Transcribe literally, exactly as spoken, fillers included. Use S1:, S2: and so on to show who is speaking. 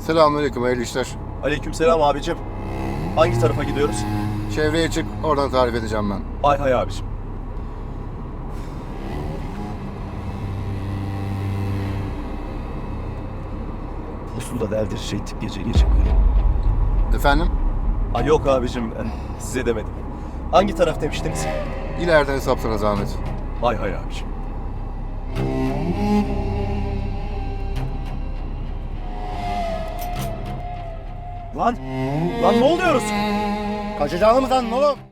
S1: Selamünaleyküm, hayırlı işler.
S2: Aleykümselam abicim. Hangi tarafa gidiyoruz?
S1: Çevreye çık, oradan tarif edeceğim ben.
S2: Hay hay abicim. Postu da deldirecektik gece gece böyle.
S1: Efendim?
S2: Ay yok abicim, eh, size demedim. Hangi taraf demiştiniz?
S1: İleriden hesapsana zahmet.
S2: Hay hay abicim. Lan! Lan ne oluyoruz?
S1: Kaçacağını mı sandın oğlum?